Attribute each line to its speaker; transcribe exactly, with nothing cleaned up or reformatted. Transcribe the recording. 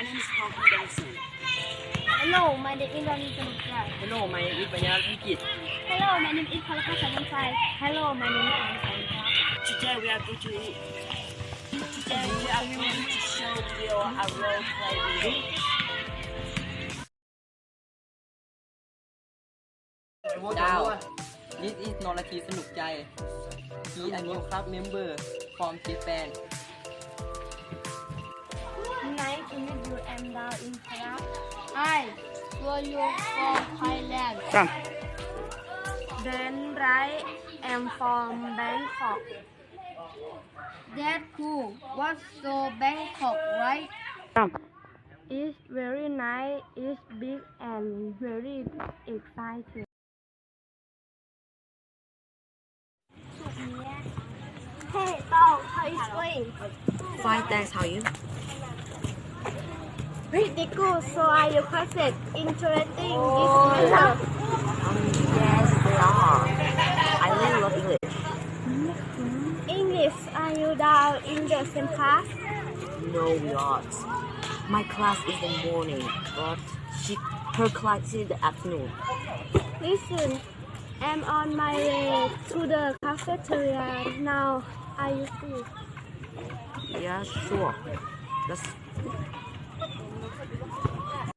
Speaker 1: name is Hong Benson.
Speaker 2: Hello, my name is Ronnie Samurai.
Speaker 1: Hello, my name is Banyal Wikit.
Speaker 2: Hello, my name is Palaka Samurai. Hello, my name is Anna.
Speaker 1: Today we are going to Today we are going to show you a role play video.
Speaker 3: Now, this is นนทีสนุกใจ He a new club member from Japan.
Speaker 2: Nice to meet you. I'm down in Prague. Hi, were you from Thailand?
Speaker 1: Come.
Speaker 2: Then right, I'm from Bangkok. That's cool. What's so Bangkok, right?
Speaker 1: Come.
Speaker 2: It's very nice. It's big and very exciting. Hey, Tom, how is it going?
Speaker 4: Fine, thanks. How are you?
Speaker 2: Pretty good. So are your classes interesting this semester?
Speaker 4: Um, yes, they are. I really love English.
Speaker 2: English, are you down in the same class?
Speaker 4: No, we aren't. My class is in the morning, but she, her class is in the afternoon.
Speaker 2: Listen, I'm on my way to the cafeteria now. Are you free?
Speaker 4: Yeah, sure. Let's